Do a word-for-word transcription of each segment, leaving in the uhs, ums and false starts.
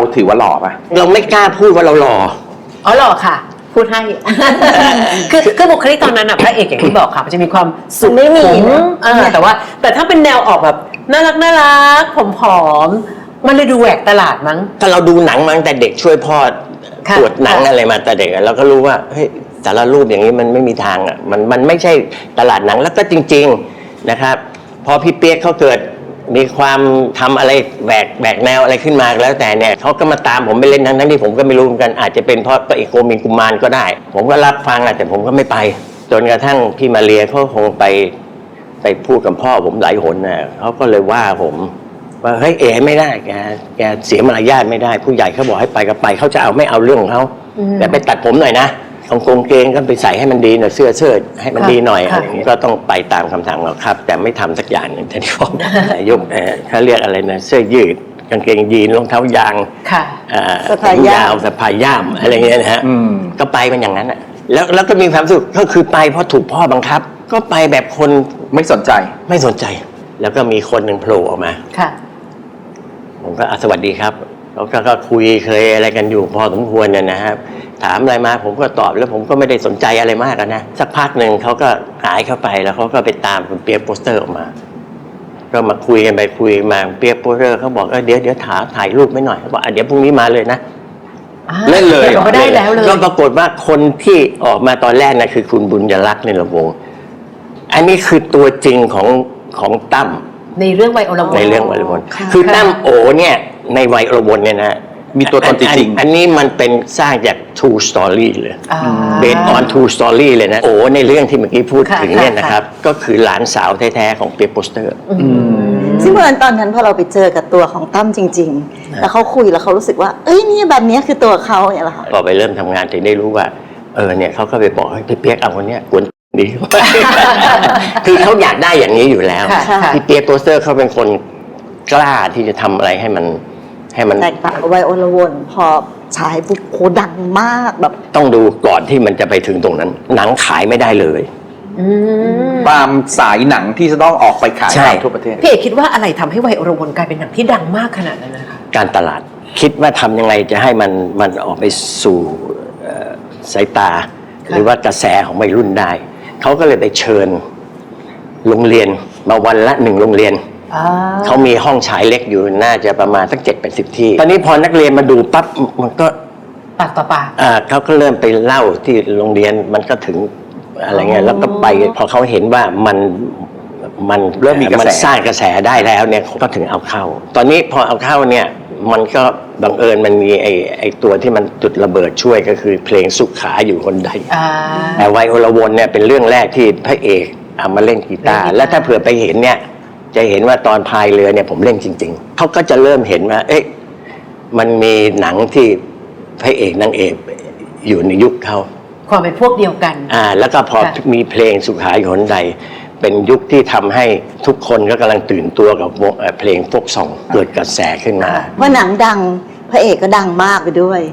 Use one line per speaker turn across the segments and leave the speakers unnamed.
ถือว่าหล่อปะ
เราไม่กล้าพูดว่าเราหล่อ
อ๋อหล่อค่ะพูดให้ คือคือบุคลิกตอนนั้นอ่ะพระเอกอย่างที่บอกค่ะมันจะมีความสุข
ไม่มี
เออแต่ว่าแต่ถ้าเป็นแนวออกแบบน่ารักน่ารักผอมๆมันเลยดูแหวกตลาดมั้ง
ถ้าเราดูหนังมาตั้งแต่เด็กช่วยพ่อตรวจหนังอะไรมาแต่เด็กเราก็รู้ว่าเฮ้ยแต่ละรูปอย่างนี้มันไม่มีทางอ่ะมันมันไม่ใช่ตลาดหนังแล้วก็จริงๆนะครับพอพี่เปี๊ยกเขาเกิดมีความทำอะไรแหวกแหวกแนวอะไรขึ้นมาแล้วแต่เนี่ยเขาก็มาตามผมไปเล่นทั้งทั้งที่ผมก็ไม่รู้เหมือนกันอาจจะเป็นเพราะพระเอกโกมินกุมารก็ได้ผมก็รับฟังแต่ผมก็ไม่ไปจนกระทั่งพี่มาเรียเขาคงไปไปพูดกับพ่อผมหลายหนน่ะเขาก็เลยว่าผมว่าเฮ้ยเอ๋ไม่ได้แกแกเสียมารยาทไม่ได้ผู้ใหญ่เขาบอกให้ไปก็ไปเขาจะเอาไม่เอาเรื่องของเขาแต่ไปตัดผมหน่อยนะกางเกงก็ไปใส่ให้มันดีหน่อยเสื้อเชิ้ตให้มันดีหน่อยอะไรอย่างนี้ก็ต้องไปตามคำสั่งเราครับแต่ไม่ทำสักอย่างหนึ่งที่ที่บอกยกเขาเรียกอะไรนะเสื้อยืดกางเกงยีนรองเท้ายาง
สะพายยาว
สะพายย่ามอะไรเงี้ยนะฮะก็ไปมันอย่างนั้นอ่ะแล้วแล้วก็มีความสุขก็คือไปเพราะถูกพ่อบังคับก็ไปแบบคน
ไม่สนใจ
ไม่สนใจแล้วก็มีคนหนึ่งโผล่ออกมาผมก็สวัสดีครับแล้วก็คุยเคยอะไรกันอยู่พอสมควรเนี่ยนะครับถามอะไรมาผมก็ตอบแล้วผมก็ไม่ได้สนใจอะไรมากนะสักพักหนึ่งเขาก็หายเข้าไปแล้วเขาก็ไปตามคุณเปียกโปสเตอร์ออกมาก็มาคุยกันไปคุยมาเปียกโปสเตอร์เขาบอกเดี๋ยวเดี๋ยวถ่ายถ่ายรูปไม่หน่อยเขาบอกเดี๋ยวพรุ่งนี้มาเลยนะ
เล่นเลย
ก็ได้แล้วเลย
ก็ปรากฏว่าคนที่ออกมาตอนแรกนะคือคุณบุญยรักษ์ในระวงอันนี้คือตัวจริงของของตั้ม
ในเรื่องวัยอรวน
ในเรื่องวัยอรวนคือตั้มโอเนี่ยในวัยอรวนเนี่ยนะ
มีตัวตนจริง
ๆอันนี้มันเป็นสร้างจาก true story เลย based on true story เลยนะโอ้ในเรื่องที่เมื่อกี้พูดถึงเนี่ยนะครับก็คือหลานสาวแท้ๆของเปียกโปสเตอร์
ซึ่งเมื่อตอนนั้นพอเราไปเจอกับตัวของตั้มจริงๆแล้วเขาคุยแล้วเขารู้สึกว่าเอ้ยนี่แบบนี้คือตัวเขาเนี่ยแหละค่ะ
พอไปเริ่มทำงานถึงได้รู้ว่าเออเนี่ยเขาก็ไปบอกให้พี่เปียกเอาคนเนี้ยกวนดี คือเขาอยากได้อย่างนี้อยู่แล้วพี่เปียกโปสเตอร์เขาเป็นคนกล้าที่จะทำอะไรให้มันให้มัน
แตกต่างวัยอรวนพอฉายปุ๊บโคดังมากแบบ
ต้องดูก่อนที่มันจะไปถึงตรงนั้นหนังขายไม่ได้เลย
ตามสายหนังที่จะต้องออกไปขายทั่วประเทศ
พี่เอกคิดว่าอะไรทำให้วัยอรวนกลายเป็นหนังที่ดังมากขนาดนั้นนะคะ
การตลาดคิดว่าทำยังไงจะให้มันมันออกไปสู่สายตาหรือว่ากระแสของวัยรุ่นได้เขาก็เลยไปเชิญโรงเรียนมาวันละหนึ่งโรงเรียนเขามีห้องฉายเล็กอยู่น่าจะประมาณสักเจ็ดเป็นสิบที่ตอนนี้พอนักเรียนมาดูปั๊บมันก็
ปากต่อปาก
อ่าเขาก็เริ่มไปเล่าที่โรงเรียนมันก็ถึงอะไรเงี้ยแล้วก็ไปพอเขาเห็นว่ามันมัน
เริ่มมีกระแส
มันสร้างกระแสได้แล้วเนี่ยก็ถึงเอาเข้าตอนนี้พอเอาเข้าเนี่ยมันก็บังเอิญมันมีไอ้ไอ้ตัวที่มันจุดระเบิดช่วยก็คือเพลงสุขาอยู่คนใดแต่วัยอรวนเนี่ยเป็นเรื่องแรกที่พระเอกเอามาเล่นกีตาร์และถ้าเผื่อไปเห็นเนี่ยจะเห็นว่าตอนพายเรือเนี่ยผมเล่นจริงๆเขาก็จะเริ่มเห็นว่าเอ๊ะมันมีหนังที่พระเอกนางเอกอยู่ในยุคเขา
ความเป็นพวกเดียวกัน
อ่าแล้วก็พอมีเพลงสุขาอยู่คนใดเป็นยุคที่ทำให้ทุกคนก็กำลังตื่นตัวกับเพลงโฟกซองเกิดกระแสขึ้นมา
ว่าหนังดังพระเอกก็ดังมากไปด้วย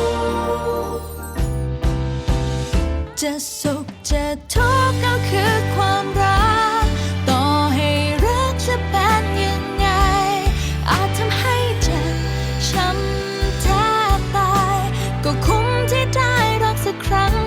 จะสุขจะทุกข์ก็คือ